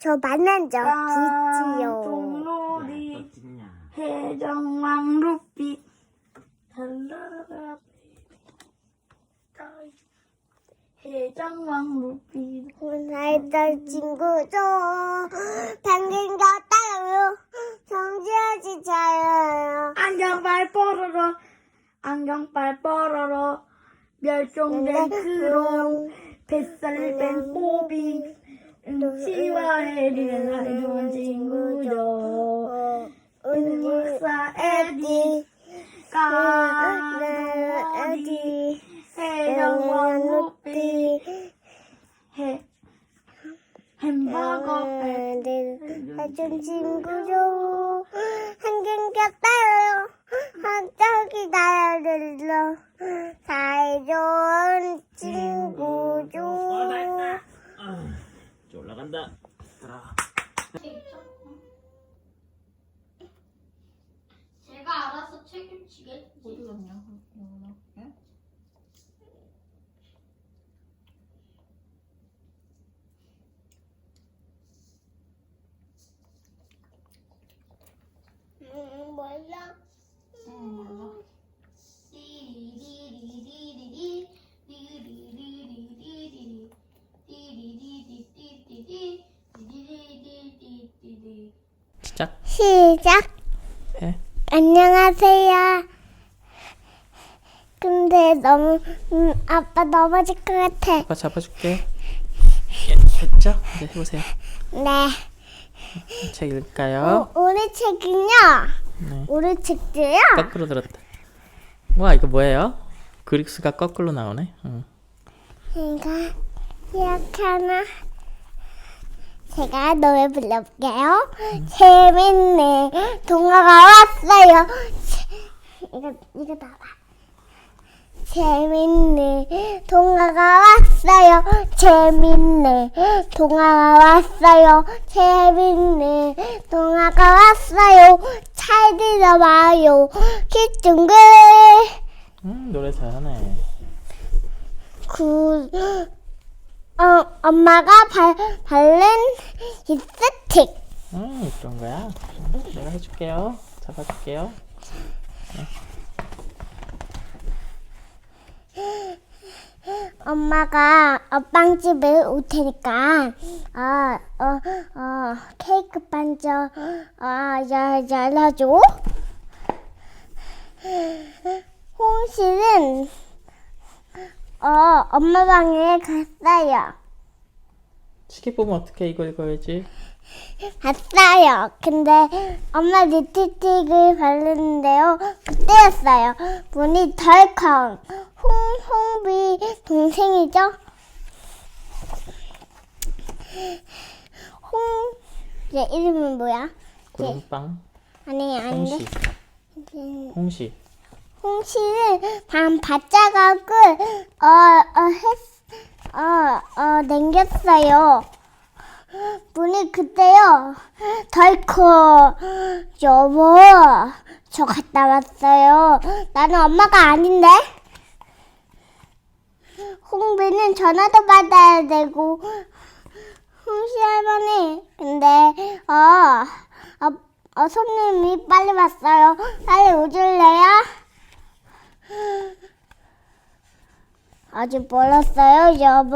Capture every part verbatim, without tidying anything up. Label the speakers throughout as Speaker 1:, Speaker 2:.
Speaker 1: 저 만난 적 있지요.
Speaker 2: 똥놀이 해적왕 루피 달라라 해적왕 루피
Speaker 1: 살던 친구죠. 방금 갔다요. 정지하지 자요.
Speaker 2: 안경빨 뽀로로 안경빨 뽀로로 멸종된 크롱 뱃살 뺀 뽀비 응치와 해리는 사이좋은 친구죠. 은박사 에디 까나디 해적왕 루피 해 햄버거
Speaker 1: 해준 친구죠. 한경 갔다요. 한짝이 나를 사이좋은 친구죠.
Speaker 3: 올라간다.
Speaker 2: 제가 알아서 책임지겠지.
Speaker 4: 어디 갔냐? 영원아. 예?
Speaker 1: 음, 몰라.
Speaker 4: 응, 몰라.
Speaker 2: 띠리리리리리리 띠리리리리리리 띠리리리리리리 띠리리리리리리
Speaker 3: 시작.
Speaker 1: 시작.
Speaker 3: 해.
Speaker 1: 안녕하세요. 근데 너무 음, 아빠 넘어질 것 같아.
Speaker 3: 아빠 잡아줄게. 예, 됐죠? 이제 해보세요.
Speaker 1: 네.
Speaker 3: 책 읽을까요?
Speaker 1: 오, 오늘 책은요.
Speaker 3: 네.
Speaker 1: 오늘 책도요.
Speaker 3: 거꾸로 들었다. 와, 이거 뭐예요? 그릭스가 거꾸로 나오네. 응.
Speaker 1: 이거 이렇게 하나. 제가 노래 불러볼게요. 음. 재밌네. 동화가 왔어요. 이거 이거 나와. 재밌네. 동화가 왔어요. 재밌네. 동화가 왔어요. 재밌네. 동화가 왔어요. 잘 들어봐요. 키중글.
Speaker 3: 음, 노래 잘하네.
Speaker 1: 그, 어, 엄마가 발, 바른 립스틱.
Speaker 3: 음, 그런 거야. 음, 내가 해줄게요. 잡아줄게요.
Speaker 1: 엄마가 빵집에 올 테니까, 어, 어, 어, 케이크 반죠, 어, 야, 열어줘. 홍실은, 어, 엄마 방에 갔어요.
Speaker 3: 시계 보면 어떻게 이거 읽어야지?
Speaker 1: 갔어요. 근데 엄마 립스틱을 바르는데요. 그때였어요. 문이 덜컹. 홍, 홍비 동생이죠? 홍, 얘 이름은 뭐야?
Speaker 3: 구름빵.
Speaker 1: 아니, 아닌데.
Speaker 3: 홍시. 홍시.
Speaker 1: 홍시를 반 바짝하고, 어, 어, 했, 어, 어, 남겼어요. 문이 그때요. 덜컥. 여보, 저 갔다 왔어요. 나는 엄마가 아닌데. 홍비는 전화도 받아야 되고. 홍시 할머니. 근데 어, 어, 어 손님이 빨리 왔어요. 빨리 오줄래요? 아직 멀었어요, 여보.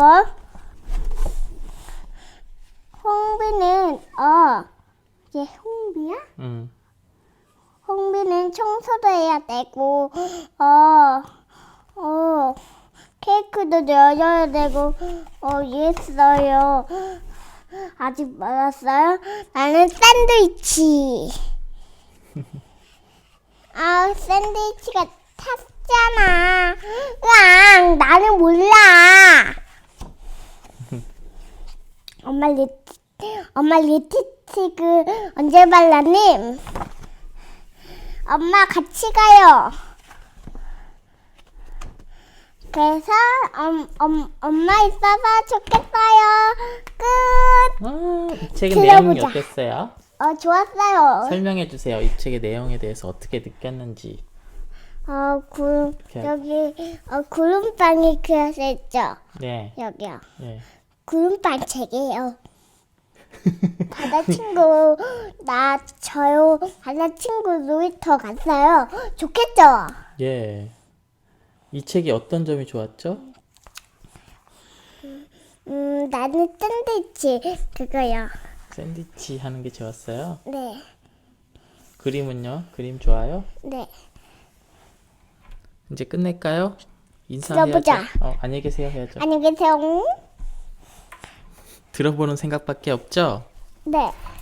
Speaker 1: 홍비는 어, 얘 홍비야?
Speaker 3: 응.
Speaker 1: 홍비는 청소도 해야 되고, 어, 어, 케이크도 열어야 되고, 어, 이랬어요. 아직 멀었어요? 나는 샌드위치. 아, 샌드위치가 탔잖아. 으앙, 나는 몰라. 엄마 립, 엄마 립스틱을 언제 발랐니? 엄마 같이 가요. 그래서 엄, 엄, 엄마 있어서 좋겠어요. 끝.
Speaker 3: 아, 이 책의
Speaker 1: 들어보자.
Speaker 3: 내용이 어땠어요?
Speaker 1: 어, 좋았어요.
Speaker 3: 설명해 주세요. 이 책의 내용에 대해서 어떻게 느꼈는지.
Speaker 1: 어, 구름,
Speaker 3: 이렇게.
Speaker 1: 여기, 어, 구름빵이 그려져 있죠?
Speaker 3: 네.
Speaker 1: 여기요.
Speaker 3: 네.
Speaker 1: 구름빵 책이에요. 바다 친구 나 저요 바다 친구 놀이터 갔어요. 좋겠죠?
Speaker 3: 예. 이 책이 어떤 점이 좋았죠?
Speaker 1: 음 나는 샌드위치 그거요.
Speaker 3: 샌드위치 하는 게 좋았어요.
Speaker 1: 네,
Speaker 3: 그림은요? 그림 좋아요?
Speaker 1: 네.
Speaker 3: 이제 끝낼까요? 인사해야죠.
Speaker 1: 들어보자.
Speaker 3: 어, 안녕히 계세요 해야죠.
Speaker 1: 안녕히 계세요.
Speaker 3: 들어보는 생각밖에 없죠?
Speaker 1: 네.